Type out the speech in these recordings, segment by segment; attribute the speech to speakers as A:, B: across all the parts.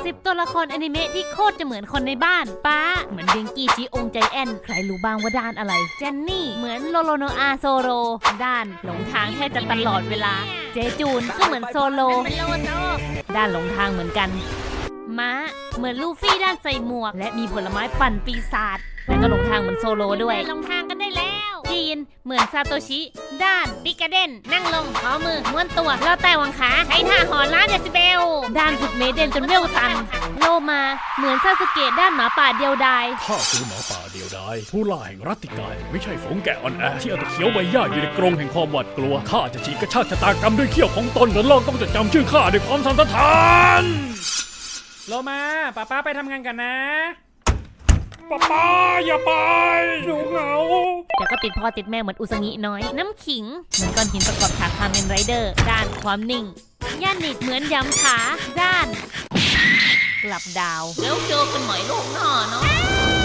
A: 10 ตัวละครอนิเมะที่โคตรจะเหมือนคนในบ้านป้าเหมือนเดงกี้จิองใจแอนใครรู้บ้างว่าด้านอะไรเจนนี่เหมือนโลโลโนอาโซโรด้านหลงทางแค่จะตลอดเวลาเจจูนก็เหมือนโซโลด้านหลงทางเหมือนกันม้าเหมือนลูฟี่ด้านใส่หมวกและมีผลไม้ปั่นปีศาจและก็หลงทางเหมือนโซโลด้วยหลงทางกันได้แล้วจีนเหมือนซาโตชิด้านปิกาเดนนั่งลงขอมือม้วนตัวแล้วแต่วังขาใช้ท่าหอนล้านเดซิเบลด้านฝึกเมเดนจนเวลตันโลมาเหมือนซาสึเกะด้านหมาป่าเดียวดาย
B: ข้าคือหมาป่าเดียวดายผู้ล่าแห่งรัตติกายไม่ใช่ฝูงแกะอ่อนแอที่เอาแต่เขียวใบหญ้าอยู่ในกรงแห่งความหวาดกลัวข้าจะฉีกกระชากชะตากรรมด้วยเขี้ยวของตนและโลกต้องจดจำชื่อข้าด้วยความสันทาน
C: โลมาป้าไปทำงานกันนะ
B: ป้าอย่าไปหนูเหงา
A: แต่ก็ติดพ่อติดแม่เหมือนอุซางิน้อยน้ำขิงเหมือนก้อนหินประกอบฉากคาเมนไรเดอร์ด้านความนิ่งย่านิดเหมือนยำขาด้านกลับดาวแล้วเจอกันใหม่โลกหน้าเนาะ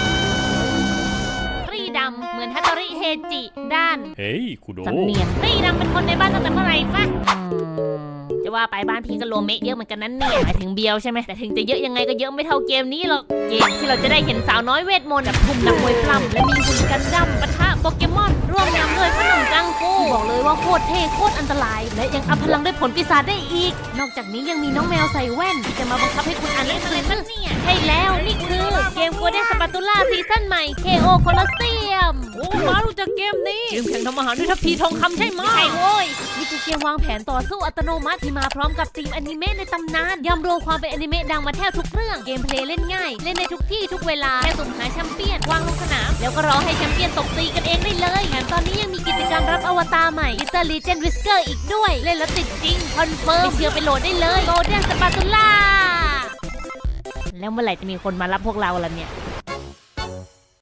A: รีดำเหมือนฮัตโตริเฮจิด้าน
B: เฮ้ยคุโด
A: สำเนียงรีดำเป็นคนในบ้านตั้งแต่เมื่อไหร่ฟะจะว่าไปบ้านพี่ก็โลเมะเยอะเหมือนกันนั้นเนี่ยหมายถึงเบียวใช่ไหมแต่ถึงจะเยอะยังไงก็เยอะไม่เท่าเกมนี้หรอกเกมที่เราจะได้เห็นสาวน้อยเวทมนต์แบบทุ่มนักมวยปล้ำและมีหุ่นกันดั้มปะทะโปเกมอนร่วมยำด้วยขนมจังฟูบอกเลยว่าโคตรเท่โคตรอันตรายและยังอัพพลังด้วยผลปีศาจได้อีกนอกจากนี้ยังมีน้องแมวใส่แว่นที่จะมาบังคับให้คุณอ่านหนังสือใช่แล้วนี่คือเกมโกลเด้นสปาตูล่าซีซั่นใหม่ KO Colosseum โอ้มารู้จักเกมนี้เกมแข่งทำอาหารด้วยทัพพีทองคำใช่ไหมใช่โว้ยนี่คือเกมวางแผนต่อสู้อัตโนมัติที่มาพร้อมกับทีมอนิเมะในตำนานยำรวมความเป็นอนิเมะดังมาแทบทุกเรื่องเกมเพลย์เล่นง่ายเล่นในทุกที่ทุกเวลาแค่สุ่มหาแชมเปี้ยนวางลงสนามแล้วก็รอให้แชมเปี้ยนตบตีกันเองได้เลยแถมตอนนี้ยังมีกิจกรรมรับอวตารใหม่ Little Legend Whisker อีกด้วยเล่นแล้วติดจริงคอนเฟิร์มไม่เชื่อไปโหลดได้เลย Golden Spatula แล้วเมื่อไหร่จะมีคนมารับพวกเราล่ะเนี่ย